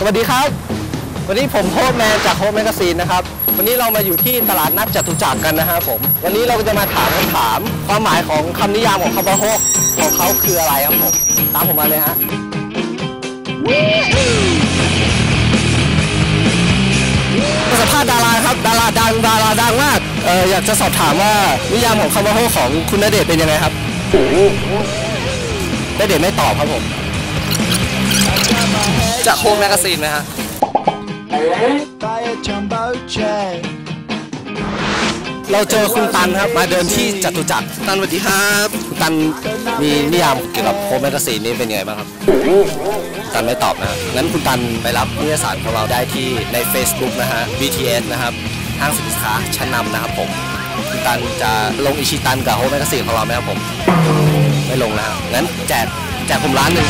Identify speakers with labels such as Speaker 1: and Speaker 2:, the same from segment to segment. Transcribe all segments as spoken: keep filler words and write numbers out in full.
Speaker 1: วัสดีครับวันนี้ผมโฮปแมนจากโฮปแมกซีนนะครับวันนี้เรามาอยู่ที่ตลาดนัดจตุจักรกันนะครับผมวันนี้เราจะมาถามคำถามความหมายของคำนิยามของคำว่าโฮปของเขาคืออะไรครับผมตามผมมาเลยฮะสัมภาษณ์ดาราครับดาราดังดาราดังมากเอออยากจะสอบถามว่านิยามของคำว่าโฮปของคุณณเดชน์เป็นยังไงครับณเดชน์ไม่ตอบครับผมจะโฮปแมกซีนไหมฮะเราเจอคุณตันครับมาเดินที่จตุจักรตันสวัสดีครับคุณตันมีนิยามเกี่ยวกับโฮปแมกซีนนี่เป็นยังไงบ้างครับตันไม่ตอบนะงั้นคุณตันไปรับนิตยสารของเราได้ที่ใน Facebook นะฮะ บี ที เอส นะครับห้างสินค้าชั้นนำนะครับผมคุณตันจะลงอิชิตันกับโฮปแมกซีนของเราไหมครับผมไม่ลงนะฮะงั้นแจกแจกผมร้านหนึ่ง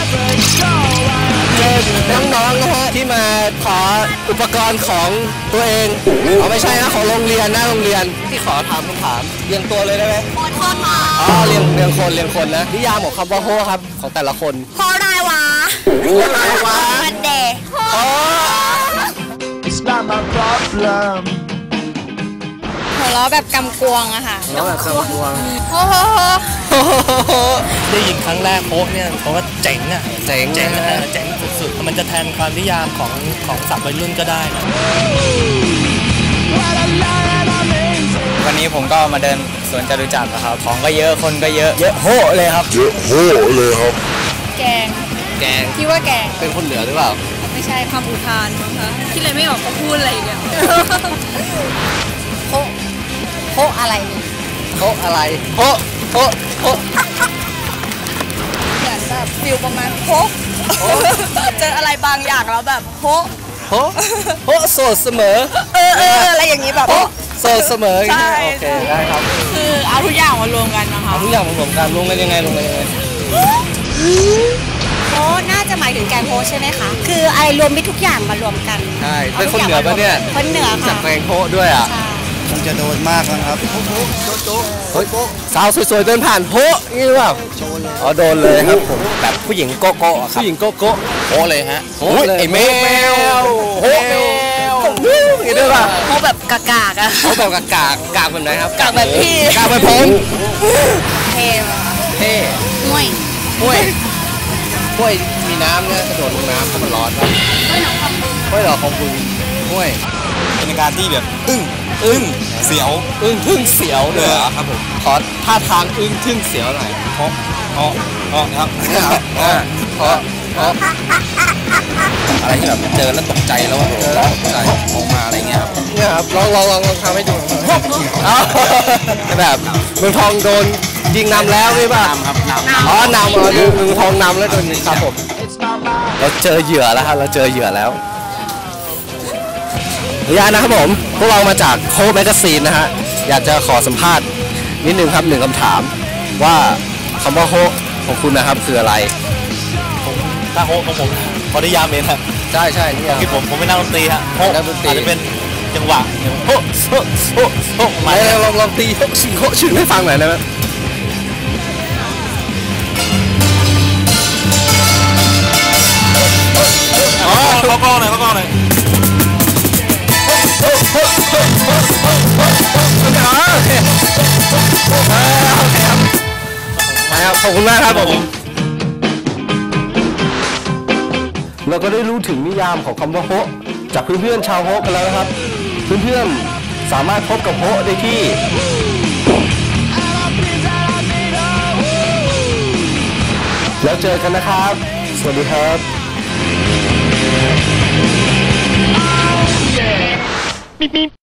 Speaker 1: น้องๆนะฮะที่มาขออุปกรณ์ของตัวเองเอาไม่ใช่นะของโรงเรียนนะโรงเรียนที่ขอถามคำถามเรียงตัวเลยได้ไหมคนคนมาอ๋อเรียงเรียงคนเรียงคนนะนิยามของคำว่าโฮครับของแต่ละคนโฮอะไรวะโฮอะไรวะมันเดย์โฮ It's not my problem
Speaker 2: หัวเราะแบบกำกวงอะค่ะ
Speaker 1: หัวเราะแบบกำกวง
Speaker 2: โฮโฮโฮ
Speaker 3: ได้ยินครั้งแรกโฮเนี่ยเขาว่าเจ๋งอะ
Speaker 1: เจ๋ง
Speaker 3: เจ๋งเจ๋งสุดๆมันจะแทนความนิยามของของศัพท์วัยรุ่นก็ได้นะ
Speaker 4: วันนี้ผมก็มาเดินสวนจตุจักรครับของก็เยอะคนก็เยอะ
Speaker 1: เยอะโฮเลยครับ
Speaker 5: เยอะโฮเลยครับ
Speaker 2: แกง
Speaker 1: แกง
Speaker 2: คิดว่าแกง
Speaker 1: เป็นคนเหนือหรือเปล่า
Speaker 2: ไม่ใช่คำอุทานมั้งคะคิดอะไรไม่ออกก็พูดอะไรอย่างเงี้ยโฮโฮอะไร
Speaker 1: โฮอะไรโฮโฮโฮ
Speaker 2: เหมือนแบบฟิลประมาณโฮเจออะไรบางอย่างแล้วแบบโฮ
Speaker 1: โฮโฮโสดเสมอ
Speaker 2: เออเอออะไรอย่างนี้แบบ
Speaker 1: โสดเสมอใช่โอเคได้ครับ
Speaker 2: คือเอาทุกอย่างมารวมกันนะคะ
Speaker 1: เอาทุกอย่างมารวมกันรวมกันยังไงรวมกันยังไง
Speaker 2: โฮน่าจะหมายถึงแกงโฮใช่ไหมคะคืออะไรรวมไปทุกอย่างมารวมกัน
Speaker 1: ใช่เป็นคนเหนือปะเนี่ย
Speaker 2: คนเหนือค่ะ
Speaker 1: จากแกงโฮด้วยอ่ะ
Speaker 5: คงจะโดนมากนะครับ
Speaker 1: เฮ้ยสาวสวยๆเดินผ่านโฮนี่หรือเปล่าอ๋อโดนเลยครับผมแบบผู้หญิงโกโก้ครับผู้หญิงโกโก้
Speaker 4: โฮเลยฮะ
Speaker 1: โฮเลยไอแมวโฮแมวนี่ด้วยป่ะ
Speaker 2: โฮแบบกากากอะ
Speaker 1: โฮแบบกากากากแบบไหนครับ
Speaker 2: กากแบบพี่
Speaker 1: กากแบบผม
Speaker 2: เท่
Speaker 1: เท่
Speaker 2: ห้วย
Speaker 1: ห้วยห้วยมีน้ำเนี่ยกระโดดลงน้ำเพราะมันร้อนครับห้วยหรอของคุณห้วย
Speaker 4: เป็นการที่แบบอึ้งอึ้งเสียว
Speaker 1: อึ้งทึ่งเสียวเลย
Speaker 4: ครับผม
Speaker 1: ขอท่าทางอึ้งทึ่งเสียวหน่อย
Speaker 4: เพราะเพราะเพราะครับ
Speaker 1: เพราะเพราะ
Speaker 4: อะไรที่แบบเจอแล้วตกใจแล้วว่าตกใจออกมาอะไรเงี้ยครับ
Speaker 1: เนี่ยครับลองลองลองลองทำให้ดูแบบเมืองทองโดนยิงนำแล้วไม่ป่ะ
Speaker 4: ครับน
Speaker 1: ำอ๋อนำอ๋อเมืองทองนำแล้วโดนครับผมเราเจอเหยื่อแล้วครับเราเจอเหยื่อแล้วขออนุญาตนะครับผมพวกเรามาจากโฮปแมกซีนนะฮะอยากจะขอสัมภาษณ์นิดนึงครับหนึ่งคำถามว่าคำว่าโฮปของคุณนะครับคืออะไร
Speaker 3: ถ้าโฮปของผมขอนิยามเองครับ
Speaker 1: ใช่ใช่นี่
Speaker 3: คือผมผมเป็นนักดนตรีฮะโฮปอาจจะเป็นจังหวะโฮโฮโฮโฮ
Speaker 1: มาลองลองตีโฮชิโฮชื่อให้ฟังหน่อยได้ไหม
Speaker 3: อ๋อเขากล้องหน่อยเขากล้องหน่อย
Speaker 1: ขอบคุณมากครับผมเราก็ได้รู้ถึงนิยามของคำว่าโฮจากเพื่อนๆชาวโฮกันแล้วนะครับเพื่อนๆสามารถพบกับโฮได้ที่แล้วเจอกันนะครับสวัสดีครับ